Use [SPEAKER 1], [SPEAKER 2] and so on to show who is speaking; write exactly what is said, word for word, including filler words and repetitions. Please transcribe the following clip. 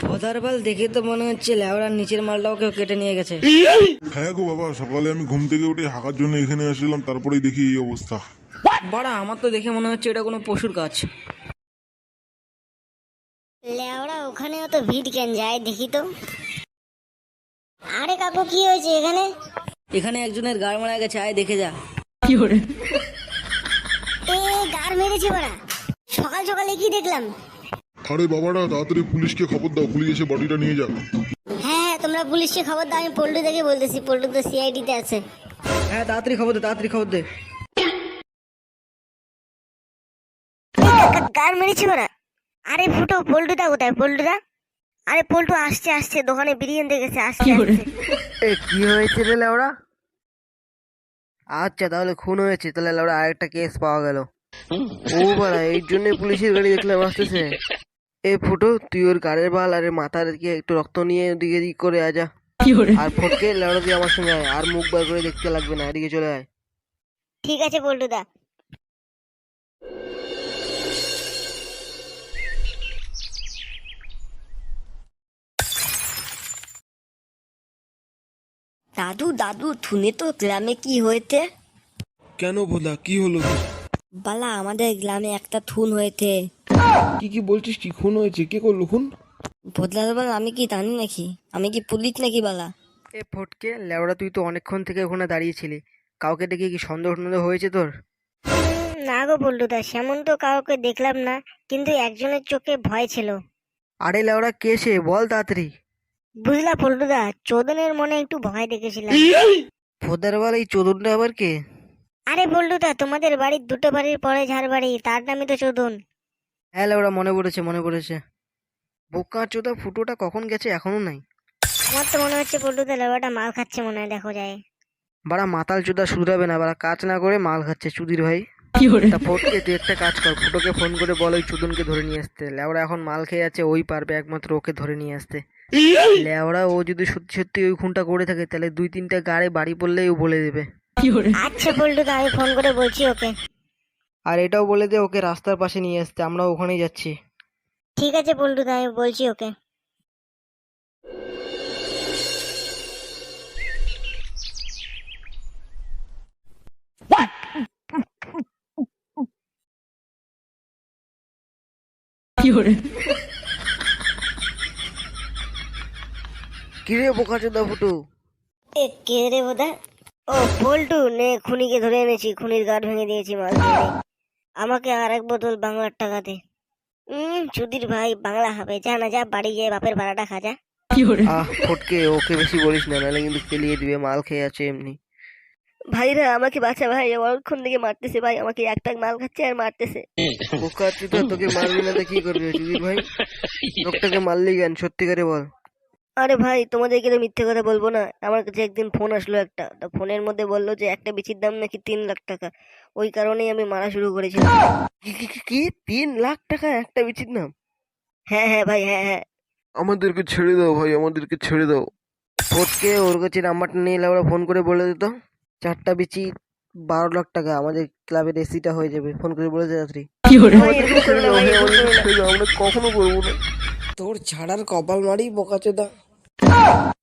[SPEAKER 1] ভোদার বাল দেখে তো মনে হচ্ছে লেওড়ার নিচের মালটাও কেউ কেটে নিয়ে গেছে।
[SPEAKER 2] হ্যাঁ গো বাবা, সকালে আমি ঘুম থেকে উঠে হাঁকার জন্য এখানে আসলাম, তারপরেই দেখি এই অবস্থা।
[SPEAKER 1] বাড়া, আমার তো দেখে মনে হচ্ছে এটা কোনো পশুর কাজ।
[SPEAKER 3] লেওড়া ওখানেও তো ভিড় কেন যায় দেখি তো। আরে কাকু কি হয়েছে এখানে?
[SPEAKER 1] এখানে একজনের গাড় মারা গেছে, আয় দেখে যা।
[SPEAKER 3] এ গার মেরেছে ওরা, সকাল সকালে কি দেখলাম।
[SPEAKER 2] আরে বাবারা, তাড়াতাড়ি পুলিশকে খবর দাও, পুলিশ এসে বডিটা নিয়ে যাক।
[SPEAKER 3] হ্যাঁ হ্যাঁ তোমরা পুলিশকে খবর দাও, আমি পল্টু থেকে বলতেছি, পল্টু তো সিআইডি তে আছে।
[SPEAKER 1] হ্যাঁ তাড়াতাড়ি খবর দে, তাড়াতাড়ি খবর দে।
[SPEAKER 3] গার মেরেছে ওরা। আরে ফুটো, পল্টুদা কোথায়? পল্টুদা, আরে পল্টু আসছে আসছে, দোকানে বিরিয়ানি দেখেছে, আসছে আসছে।
[SPEAKER 1] এ কি হয়েছে রে লেওড়া? আচ্ছা তাহলে খুন হয়েছে, তাহলে লেওড়া আরেকটা কেস পাওয়া গেল। ও বাড়া, এই জন্য পুলিশের গাড়ি দেখলাম আসতেছে। এ ফুটো, তুই ওর গাড়ির বাল আর এর মাথার দিকে একটু রক্ত নিয়ে ওদিকে এদিক করে আজা। আর ফটকে লেওড়া দিয়ে আমার সঙ্গে আয়, আর মুখ বার করে দেখতে লাগবে না, এদিকে চলে আয়।
[SPEAKER 3] ঠিক আছে পল্টুদা। দাদু দাদু, শুনে তো গ্রামে কি হয়েছে?
[SPEAKER 4] কেন ভোলা, কি হলো?
[SPEAKER 3] বালা, আমাদের গ্রামে একটা খুন হয়েছে।
[SPEAKER 4] কি কি বলছিস? কি খুন হয়েছে? কে করলো খুন?
[SPEAKER 3] বদলার বালা, আমি কি জানি নাকি? আমি কি পুলিশ নাকি বালা?
[SPEAKER 1] এ ফটকে লেওড়া, তুই তো অনেকক্ষণ থেকে ওখানে দাঁড়িয়েছিলি, কাউকে দেখে কি সন্দেহ সন্দেহ হয়েছে তোর?
[SPEAKER 3] উম, না গো পল্টুদা, সেমন তো কাউকে দেখলাম না, কিন্তু একজনের চোখে ভয় ছিল।
[SPEAKER 1] আরে লেওড়া, কে সে বল তাড়াতাড়ি।
[SPEAKER 3] বুঝলা পল্টুদা, চোদনের মনে একটু ভয় দেখেছিলাম।
[SPEAKER 1] ভোদার বাল, এই চোদনটা আবার কে?
[SPEAKER 3] আরে পল্টুদা, তোমাদের বাড়ির দুটো বাড়ির পরে যার বাড়ি, তার নামই তো চোদন।
[SPEAKER 1] হ্যাঁ লেওড়া, মনে পড়েছে মনে পড়েছে। বোকা চোদা ফুটোটা কখন গেছে, এখনো নাই?
[SPEAKER 3] আমার তো মনে হচ্ছে পল্টুদা লেবাটা মাল খাচ্ছে, মনে হয়, দেখো যায়।
[SPEAKER 1] বাড়া মাতাল চোদা শুধরাবে না, বাড়া কাজ না করে মাল খাচ্ছে চুদির ভাই। তা ফটকে তুই একটা কাজ কর, ফুটোকে ফোন করে বল ওই চুদনকে ধরে নিয়ে আসতে। লেওড়া এখন মাল খেয়ে আছে, ওই পারবে একমাত্র ওকে ধরে নিয়ে আসতে। লেওড়া ও যদি সত্যি সত্যি ওই খুনটা করে থাকে, তাহলে দুই তিনটা গাড়ে বাড়ি পড়লেই ও বলে দেবে।
[SPEAKER 3] আচ্ছা পল্টুদা, আমি ফোন করে বলছি ওকে।
[SPEAKER 1] আর এটাও বলে দে ওকে রাস্তার পাশে নিয়ে আসতে, আমরা ওখানেই যাচ্ছি।
[SPEAKER 3] ঠিক আছে পল্টুদা, আমি বলছি ওকে।
[SPEAKER 1] কিরে বোকা চোদা ফুটো?
[SPEAKER 3] এ কে রে বোধা? ও পল্টু, নে খুনিকে ধরে এনেছি, খুনির গাঁট ভেঙে দিয়েছি মাল খেয়ে। আমাকে আর এক বোতল বাংলার টাকা দে। উম চুদির ভাই, বাংলা হবে, যা না যা, বাড়ি গিয়ে বাপের ভাড়াটা খা যা।
[SPEAKER 1] আহ ফটকে, ওকে বেশি বলিস না, নাহলে কিন্তু পেলিয়ে দিবে, মাল খেয়ে আছে এমনি।
[SPEAKER 3] ভাইরা আমাকে বাঁচা ভাই, অনেকক্ষণ থেকে মারতেছে ভাই, আমাকে এক টাক মাল খাচ্ছে আর মারতেছে।
[SPEAKER 1] বোকা চোদা, তোকে মারবি না তো কি করবে চুদির ভাই? লোকটাকে মারলি কেন, সত্যি করে বল।
[SPEAKER 3] আরে ভাই, তোমাদেরকে তো মিথ্যে কথা বলবো না, আমার কাছে একদিন ফোন আসলো একটা, তো ফোনের মধ্যে বললো যে একটা বিচির দাম নাকি তিন লাখ টাকা। ওই কারণেই আমি মারা শুরু করেছিলাম।
[SPEAKER 1] কি কি কি- কি তিন লাখ টাকা একটা বিচির নাম?
[SPEAKER 3] হ্যাঁ হ্যাঁ ভাই, হ্যাঁ হ্যাঁ।
[SPEAKER 4] আমাদেরকে ছেড়ে দাও ভাই, আমাদেরকে ছেড়ে দাও।
[SPEAKER 1] ফটকে ওর কাছে নাম্বারটা নিয়ে এলে ওরা ফোন করে বলে দিত, চারটা বিচি বারো লাখ টাকা, আমাদের ক্লাবের এসিটা হয়ে যাবে, ফোন করে বলেছে রাত্রি।
[SPEAKER 3] ভাই, এরকম করো না ভাই, এরকম করো না।
[SPEAKER 4] ছেড়ে দাও, আমরা কখনো করবো না।
[SPEAKER 1] তোর ছাড়ার কপাল মারি বোকা চোদা।